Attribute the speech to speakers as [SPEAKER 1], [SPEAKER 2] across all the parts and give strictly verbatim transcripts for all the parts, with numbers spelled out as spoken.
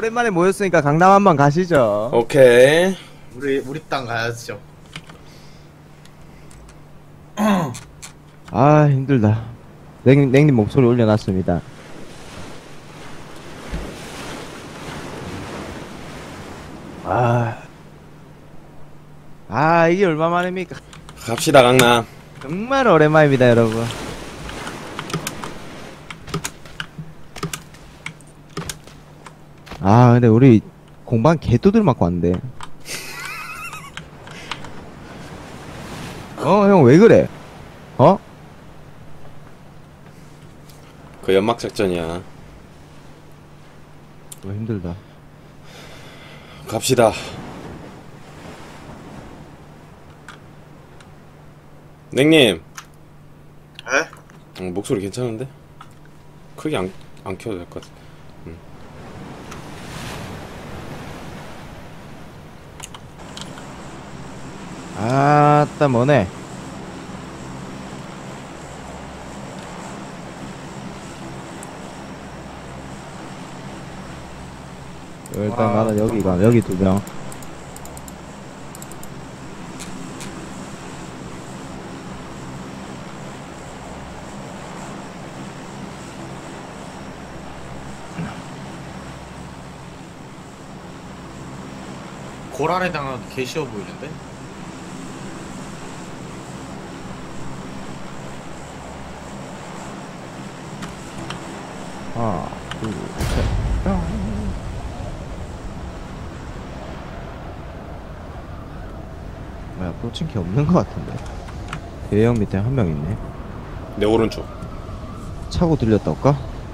[SPEAKER 1] 오랜만에 모였으니까 강남 한번 가시죠.
[SPEAKER 2] 오케이.
[SPEAKER 3] 우리 우리 땅 가야죠.
[SPEAKER 1] 아 힘들다. 냉, 냉님 목소리 올려놨습니다. 아, 아 이게 얼마만입니까?
[SPEAKER 2] 갑시다 강남.
[SPEAKER 1] 정말 오랜만입니다 여러분. 아 근데 우리 공방 개뚜들 맞고 왔는데. 어 형 왜 그래? 어?
[SPEAKER 2] 그 연막 작전이야.
[SPEAKER 1] 뭐 힘들다.
[SPEAKER 2] 갑시다. 냉님.
[SPEAKER 3] 에?
[SPEAKER 2] 어, 목소리 괜찮은데? 크게 안, 안 켜도 될 것 같아. 응.
[SPEAKER 1] 아따 뭐네. 일단
[SPEAKER 3] 와,
[SPEAKER 1] 나는 여기가 여기 두 명.
[SPEAKER 3] 고란에 당하기 개 쉬워 보이는데?
[SPEAKER 1] 하나, 둘, 셋. 뭐야, 꽂힌 게 없는 것 같은데. 대형 밑에 한 명 있네.
[SPEAKER 2] 내 오른쪽.
[SPEAKER 1] 차고 들렸다 올까?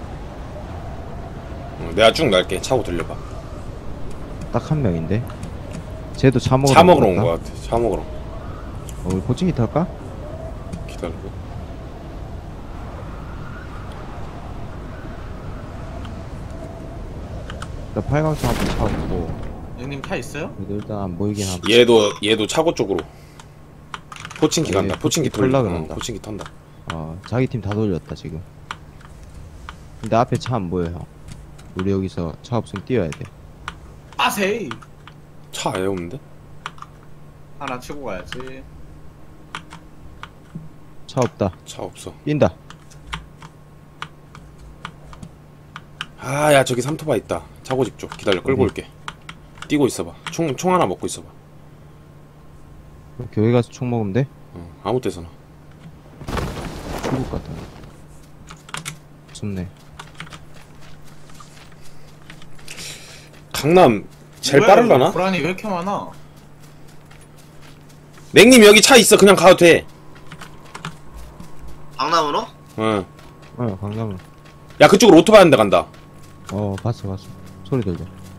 [SPEAKER 2] 어, 내가 쭉 날게. 차고 들려봐.
[SPEAKER 1] 딱 한 명인데. 쟤도 차 먹으러
[SPEAKER 2] 차 먹으러 온
[SPEAKER 1] 것
[SPEAKER 2] 것
[SPEAKER 1] 같다.
[SPEAKER 2] 같아. 차 먹으러.
[SPEAKER 1] 어, 우리 고칭기 탈까?
[SPEAKER 2] 기다려봐.
[SPEAKER 1] 나 팔강차 한번 차 없고.
[SPEAKER 3] 형님 차 있어요?
[SPEAKER 1] 그래도 일단 안 보이긴 함.
[SPEAKER 2] 얘도 얘도 차고 쪽으로. 포칭키
[SPEAKER 1] 얘
[SPEAKER 2] 간다. 포칭키
[SPEAKER 1] 포칭키
[SPEAKER 2] 돌려.
[SPEAKER 1] 털라
[SPEAKER 2] 어,
[SPEAKER 1] 그런다.
[SPEAKER 2] 포칭키 턴다.
[SPEAKER 1] 어, 자기 팀 다 돌렸다 지금. 근데 앞에 차 안 보여 형. 우리 여기서 차 없으면 뛰어야 돼.
[SPEAKER 3] 아세이!
[SPEAKER 2] 차 아예 없는데?
[SPEAKER 3] 하나 치고 가야지.
[SPEAKER 1] 차 없다.
[SPEAKER 2] 차 없어.
[SPEAKER 1] 뛴다.
[SPEAKER 2] 아, 야 저기 삼토바 있다. 차고 집 쪽. 기다려. 끌고
[SPEAKER 1] 어디?
[SPEAKER 2] 올게. 뛰고 있어봐. 총, 총 하나 먹고 있어봐.
[SPEAKER 1] 그럼 교회 가서 총 먹으면 돼?
[SPEAKER 2] 어, 아무 데서나.
[SPEAKER 1] 죽을 것 같아. 좋네.
[SPEAKER 2] 강남 제일
[SPEAKER 3] 뭐야,
[SPEAKER 2] 빠르려나?
[SPEAKER 3] 고란이 왜 이렇게 많아?
[SPEAKER 2] 냉님 여기 차 있어. 그냥 가도 돼.
[SPEAKER 4] 강남으로?
[SPEAKER 2] 응.
[SPEAKER 1] 어, 강남은.
[SPEAKER 2] 야 그쪽으로 오토바이 한 대 간다.
[SPEAKER 1] 어, 봤어, 봤어. 소리 들려.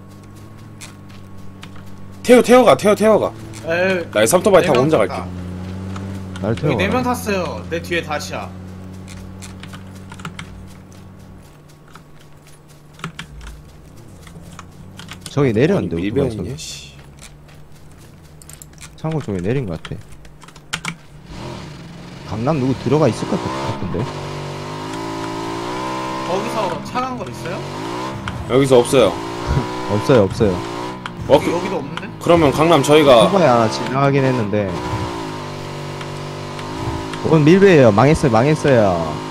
[SPEAKER 2] 태워 태워가 태워 태워가.
[SPEAKER 3] 에이,
[SPEAKER 2] 나 이 삼토바이 타고
[SPEAKER 3] 네명
[SPEAKER 2] 혼자
[SPEAKER 3] 탔다.
[SPEAKER 2] 갈게.
[SPEAKER 1] 날 태워.
[SPEAKER 3] 여기 네 명 탔어요. 내 뒤에 다시야.
[SPEAKER 1] 저기 내렸는데, 오토바이에서.
[SPEAKER 2] 밀병이냐 씨.
[SPEAKER 1] 창고 쪽에 내린 것 같아. 강남 누구 들어가 있을 것 같은데?
[SPEAKER 3] 거기서 차 간 거 있어요?
[SPEAKER 2] 여기서 없어요.
[SPEAKER 1] 없어요, 없어요.
[SPEAKER 2] 어,
[SPEAKER 3] 여기,
[SPEAKER 2] 그,
[SPEAKER 3] 여기도 없는데?
[SPEAKER 2] 그러면 강남 저희가
[SPEAKER 1] 오토바이 하나 지나가긴 했는데. 오늘 밀배예요. 망했어요, 망했어요.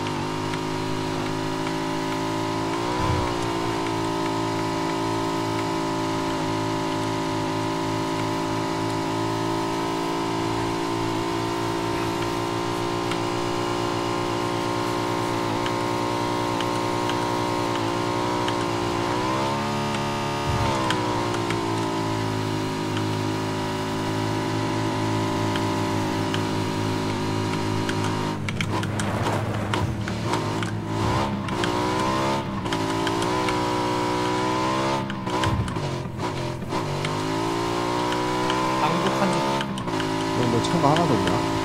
[SPEAKER 3] 방독한
[SPEAKER 1] 너, 너 차가 하나도 없냐?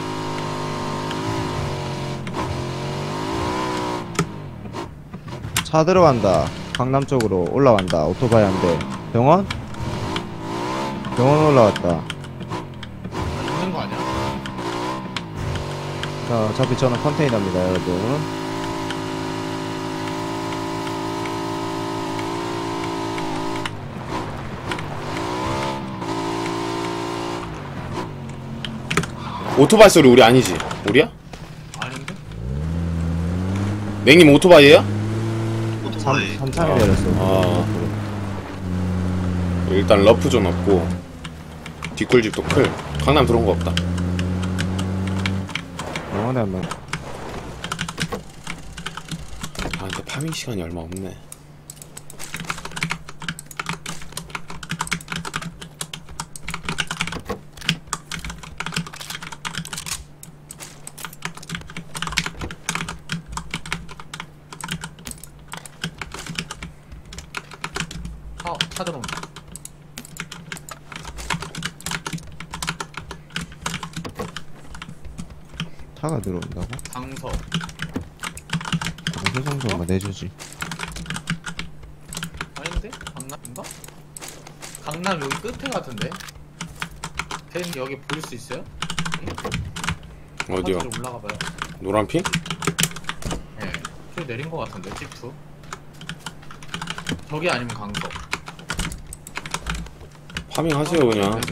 [SPEAKER 1] 차 들어간다. 강남 쪽으로 올라간다. 오토바이 한 대. 병원? 병원 올라왔다.
[SPEAKER 3] 있는 거 아니야?
[SPEAKER 1] 자, 어차피 저는 컨테이너입니다, 여러분.
[SPEAKER 2] 오토바이 소리 우리 아니지? 우리야?
[SPEAKER 3] 아닌데?
[SPEAKER 2] 냉님 오토바이에요?
[SPEAKER 4] 오토바이.
[SPEAKER 1] 삼창에
[SPEAKER 2] 아.
[SPEAKER 1] 내렸어.
[SPEAKER 2] 아. 일단 러프존 없고 뒷골집도 클. 강남 들어온 거 없다.
[SPEAKER 1] 영원히 한번.
[SPEAKER 2] 아 근데 파밍 시간이 얼마 없네.
[SPEAKER 3] 아, 차 들어온다.
[SPEAKER 1] 차가 들어온다고?
[SPEAKER 3] 강서.
[SPEAKER 1] 그 정도만 내주지.
[SPEAKER 3] 아닌데? 강남인가? 강남 여기 끝에 같은데? 댄 여기 볼 수 있어요?
[SPEAKER 2] 어디요?
[SPEAKER 3] 사지로 올라가봐요.
[SPEAKER 2] 노란핑?
[SPEAKER 3] 예. 저기 내린 거 같은데, 지프. 저기 아니면 강서.
[SPEAKER 2] 파밍 하세요 그냥.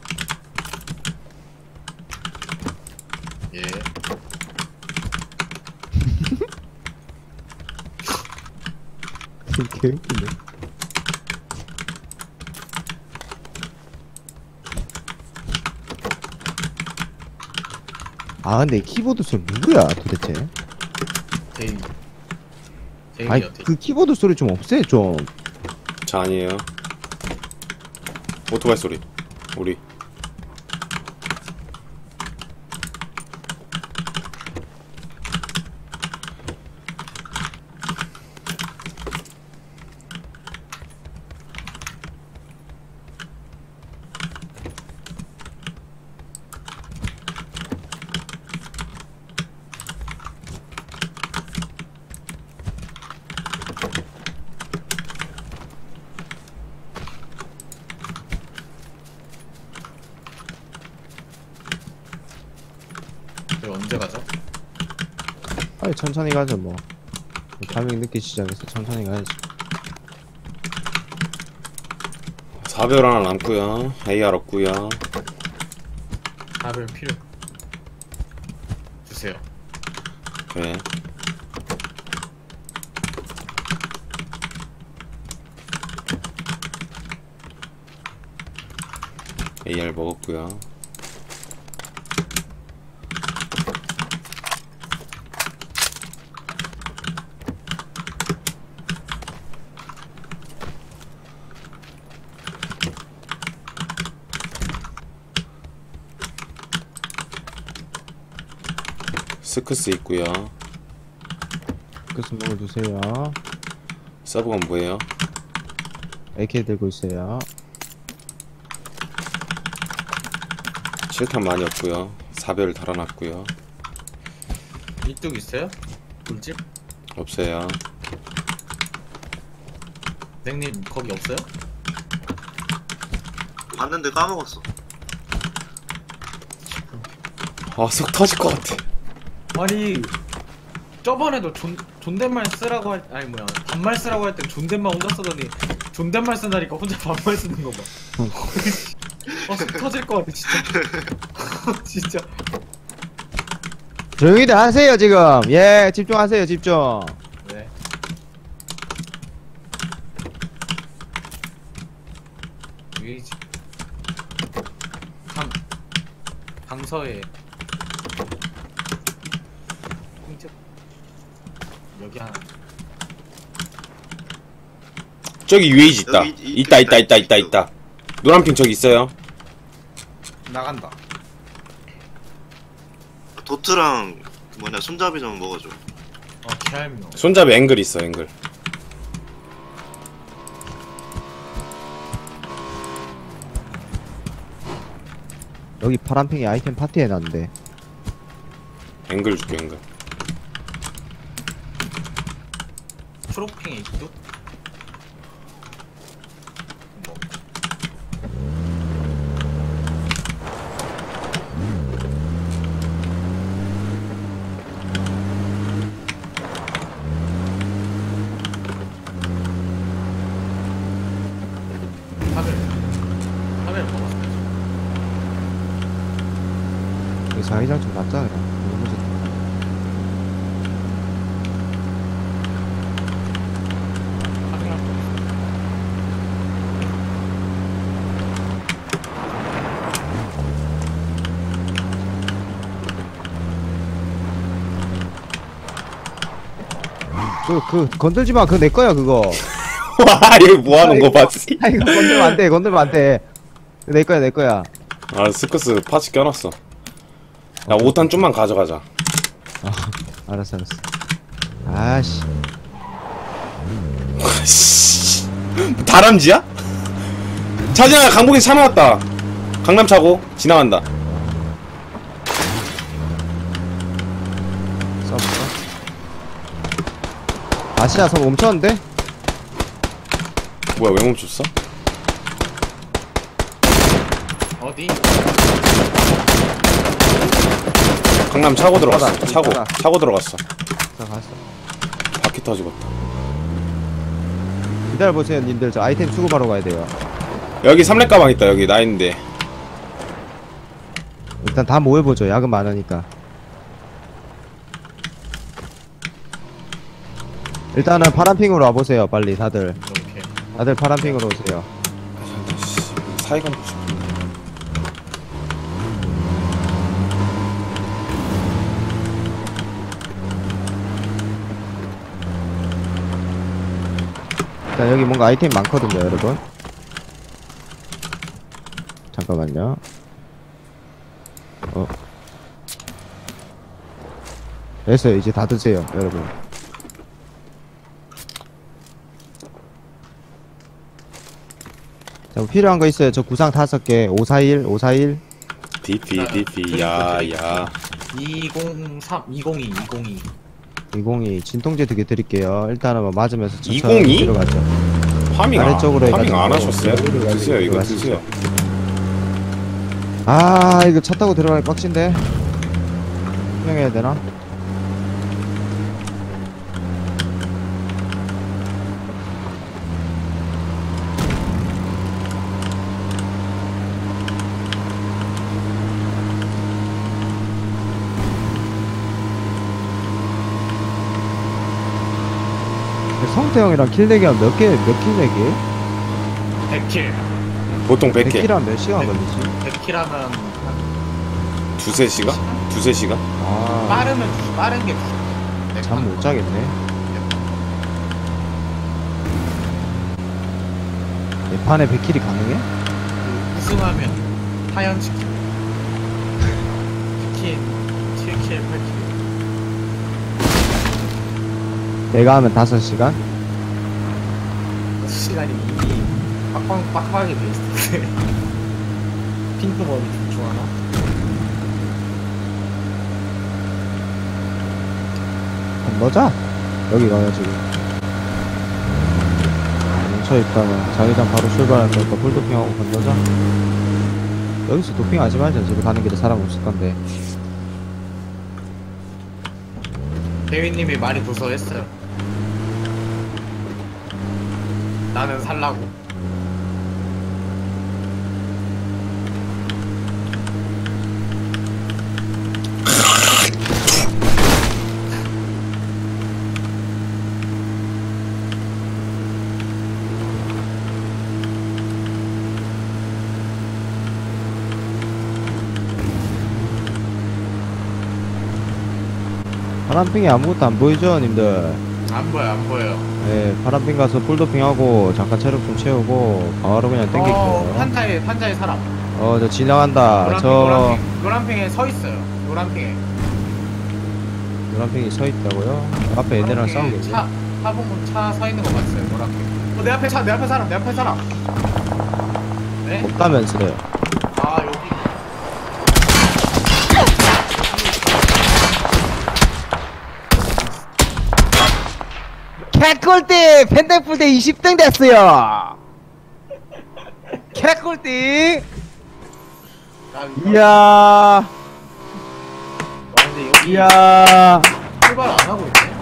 [SPEAKER 3] 예.
[SPEAKER 1] 개웃기네. 아 근데 이 키보드 소리 누구야 도대체?
[SPEAKER 3] 데이. 데이요,
[SPEAKER 1] 아니
[SPEAKER 3] 데이.
[SPEAKER 1] 그 키보드 소리 좀 없애 좀.
[SPEAKER 2] 저 아니에요. 오토바이 소리. 우리.
[SPEAKER 3] 저희 언제 가죠?
[SPEAKER 1] 아니 천천히 가죠 뭐. 타밍 늦게 시작해서 천천히 가야지.
[SPEAKER 2] 사별 하나 남고요. 에이알 없고요.
[SPEAKER 3] 답을 필요. 주세요.
[SPEAKER 2] 네. 에이알 먹었고요. 스크스 있고요.
[SPEAKER 1] 그 스모을 주세요.
[SPEAKER 2] 서브건 뭐예요?
[SPEAKER 1] 에이케이 들고 있어요.
[SPEAKER 2] 칠탄 많이 없고요. 사별 달아놨고요.
[SPEAKER 3] 이뚝 있어요? 물집?
[SPEAKER 2] 없어요.
[SPEAKER 3] 냉님 거기 없어요?
[SPEAKER 4] 봤는데 까먹었어.
[SPEAKER 2] 아, 속 터질 것 같아.
[SPEAKER 3] 아니 저번에도 존, 존댓말 쓰라고 할 아니 뭐야 반말 쓰라고 할 때 존댓말 혼자 쓰더니 존댓말 쓴다니까 혼자 반말 쓰는 거 봐. 아, 속 터질 것 같아 진짜. 진짜.
[SPEAKER 1] 조용히들 하세요 지금. 예 집중하세요 집중.
[SPEAKER 3] 네. 여기지. 강 강서에 핑집 여기 하나.
[SPEAKER 2] 저기 유에이지 있다.
[SPEAKER 4] 여기 이-
[SPEAKER 2] 있다, 있다, 있다, 있다, 있다. 노란핑 저기 있어요.
[SPEAKER 3] 나간다.
[SPEAKER 4] 도트랑 그 뭐냐 손잡이 좀 먹어줘.
[SPEAKER 3] 어 개알미노.
[SPEAKER 2] 손잡이 앵글 있어, 앵글.
[SPEAKER 1] 여기 파란팽이 아이템 파티 해놨는데.
[SPEAKER 2] 앵글 줄게, 앵글.
[SPEAKER 3] 초록핑에 있도? 뭐. 카멜 카멜 먹었어요.
[SPEAKER 1] 이 자기장 좀 낫자 그냥. 너무 좋다.
[SPEAKER 3] 확인할 거 없어.
[SPEAKER 1] 그, 그 건들지 마. 그거 내 거야 그거.
[SPEAKER 2] 와, 얘 뭐하는 거 봤지?
[SPEAKER 1] 아 이거 건들면 안 돼. 건들면 안 돼. 그거 내 거야 내 거야.
[SPEAKER 2] 아, 스커스 파츠 껴놨어. 야, 오 탄 좀만 가져가자.
[SPEAKER 1] 아, 알았어 알았어. 아씨.
[SPEAKER 2] 씨. 다람쥐야? 차지야, 강북에 차 나왔다. 강남 차고 지나간다.
[SPEAKER 1] 써볼까? 아시아 서 멈췄는데?
[SPEAKER 2] 뭐야, 왜 멈췄어?
[SPEAKER 3] 어디?
[SPEAKER 2] 강남 차고 들어갔어.
[SPEAKER 1] 있잖아,
[SPEAKER 2] 차고
[SPEAKER 1] 있잖아.
[SPEAKER 2] 차고 들어갔어.
[SPEAKER 1] 자 갔어.
[SPEAKER 2] 바퀴 터지겠다.
[SPEAKER 1] 기다려보세요 님들. 저 아이템 수급하러 가야 돼요.
[SPEAKER 2] 여기 삼렙 가방 있다. 여기 나 있는데.
[SPEAKER 1] 일단 다 모여보죠. 야근 많으니까. 일단은 파란핑으로 와보세요. 빨리 다들.
[SPEAKER 3] 이렇게.
[SPEAKER 1] 다들 파란핑으로 오세요.
[SPEAKER 2] 사이간 보자.
[SPEAKER 1] 일단 여기 뭔가 아이템 많거든요 여러분. 잠깐만요. 어 됐어요. 이제 다 드세요 여러분. 자, 필요한 거 있어요. 저 구상 다섯 개. 오사일, 오사일.
[SPEAKER 2] 디피 디피 야야.
[SPEAKER 3] 이공삼, 이공이, 이공이.
[SPEAKER 1] 이공이 진통제 두 개 드릴게요. 일단은 뭐 맞으면서 천천히
[SPEAKER 2] 이공이?
[SPEAKER 1] 들어가죠.
[SPEAKER 2] 파밍 안,
[SPEAKER 1] 아래쪽으로
[SPEAKER 2] 파밍 안
[SPEAKER 1] 해가지고.
[SPEAKER 2] 하셨어요? 드세요 이거
[SPEAKER 1] 들어가시죠.
[SPEAKER 2] 드세요.
[SPEAKER 1] 아, 이거 차 타고 들어가기 빡친데. 투명해야 되나? 성태형이랑 킬 내기 하면 몇 개, 몇 킬 내기?
[SPEAKER 3] 백 킬.
[SPEAKER 2] 보통 백
[SPEAKER 1] 백
[SPEAKER 2] 개.
[SPEAKER 1] 킬 하면 몇 시간
[SPEAKER 3] 백-
[SPEAKER 1] 걸리지?
[SPEAKER 3] 백 킬 하면 한
[SPEAKER 2] 두세 시간? 두세 시간?
[SPEAKER 1] 아,
[SPEAKER 3] 빠르면 두- 빠른 게 두.
[SPEAKER 1] 잠 못 자겠네. 내 판에 백 킬이 가능해?
[SPEAKER 3] 그 우승하면 하연 치킨. 치킨 칠 킬, 팔 킬.
[SPEAKER 1] 내가 하면 다섯 시간?
[SPEAKER 3] 시간이 이미 빡빡 빡빡하게 돼 있을 때. 핑크머리 중충 하나.
[SPEAKER 1] 건너자. 여기 가야 지금. 멈춰 있다가 자기장 바로 출발할 거니까 풀도핑하고 건너자. 여기서 도핑하지 말자. 집에 가는 길에 사람 없을 건데.
[SPEAKER 3] 대위님이 많이 도서했어요. 나는 살라고.
[SPEAKER 1] 파란핑이 아무것도 안 보이죠, 님들?
[SPEAKER 3] 안 보여, 안 보여.
[SPEAKER 1] 네, 파란핑 가서 풀도핑하고 잠깐 체력 좀 채우고 바로 그냥
[SPEAKER 3] 어,
[SPEAKER 1] 땡길게요.
[SPEAKER 3] 판자에 판자에 사람.
[SPEAKER 1] 어, 저 지나간다.
[SPEAKER 3] 노란핑,
[SPEAKER 1] 저
[SPEAKER 3] 노란핑, 노란핑에 서 있어요. 노란핑에.
[SPEAKER 1] 노란핑이 서 있다고요? 앞에 얘네랑
[SPEAKER 3] 노란핑에
[SPEAKER 1] 싸우겠지?
[SPEAKER 3] 차, 차 보면 차 서 있는 거 봤어요. 노란핑. 어, 내 앞에 차, 내 앞에 사람, 내 앞에 사람. 네?
[SPEAKER 1] 없다면서요.
[SPEAKER 3] 아 여기.
[SPEAKER 1] 개꿀띠! 펜데풀 대 이십 등 됐어요! 개꿀띠!
[SPEAKER 3] 아,
[SPEAKER 1] 이야,
[SPEAKER 3] 와, 근데 여기
[SPEAKER 1] 이야.
[SPEAKER 3] 출발 안 하고 있네.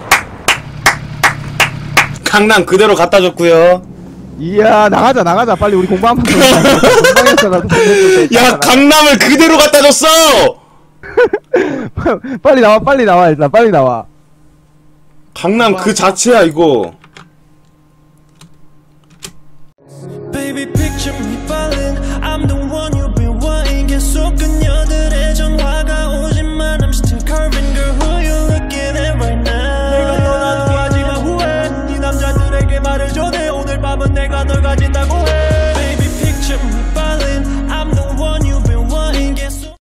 [SPEAKER 2] 강남 그대로 갖다 줬고요.
[SPEAKER 1] 이야, 나가자, 나가자. 빨리 우리 공부 한번 더. 공방에서 나도
[SPEAKER 2] 야, 강남을 그대로 갖다 줬어.
[SPEAKER 1] 빨리 나와 빨리 나와 일단 빨리 나와.
[SPEAKER 2] 강남 그 자체야 이거.
[SPEAKER 5] Baby, picture me falling